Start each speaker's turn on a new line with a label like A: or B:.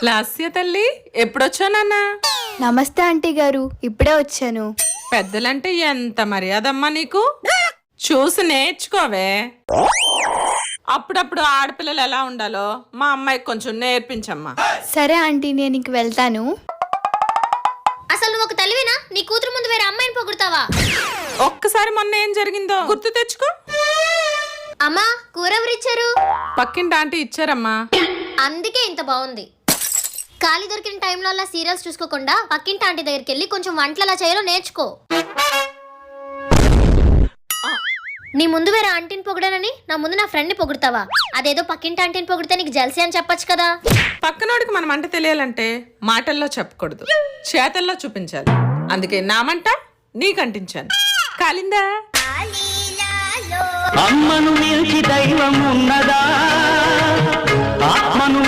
A: లాస్య తల్లి ఎప్పుడొచ్చానన్నా?
B: నమస్తే ఆంటీ గారు, ఇప్పుడే వచ్చాను.
A: పెద్దలంటే ఎంత మర్యాదమ్మా నీకు? చూసి నేర్చుకోవే. అప్పుడప్పుడు ఆడపిల్లలు ఎలా ఉండాలో మా అమ్మాయికి కొంచెం నేర్పించమ్మా.
B: సరే ఆంటీ, నేను ఇంక వెళ్తాను.
C: అసలు నువ్వు ఒక తల్లివేనా? నీ కూతురు ముందు వేరే అమ్మాయిని పొగుడుతావా?
A: ఒక్కసారి మొన్న ఏం జరిగిందో గుర్తు తెచ్చుకో.
C: అమ్మా, కూర ఎవరిచ్చారు?
A: పక్కింటి ఆంటీ ఇచ్చారమ్మా.
C: అందుకే ఇంత బాగుంది. ఖాళీ దొరికిన టైంలో అలా సీరియల్స్ చూసుకోకుండా పక్కింటి ఆంటీ దగ్గరికి వెళ్ళి కొంచెం వంటలు ఎలా చేయాలో నేర్చుకో. నీ ముందు వేరే ఆంటీని పొగడానని నా ముందు నా ఫ్రెండ్ని పొగుడతావా? అదేదో పక్కింటి ఆంటీని పొగిడితే నీకు జల్సీ అని చెప్పొచ్చు కదా.
A: పక్కనోడికి మనం అంట తెలియాలంటే మాటల్లో చెప్పకూడదు, చేతల్లో చూపించాలి. అందుకే నా మంట నీకంటించాను. కాలిందా?
D: అమ్మను మించి దైవం ఉన్నదా? ఆత్మను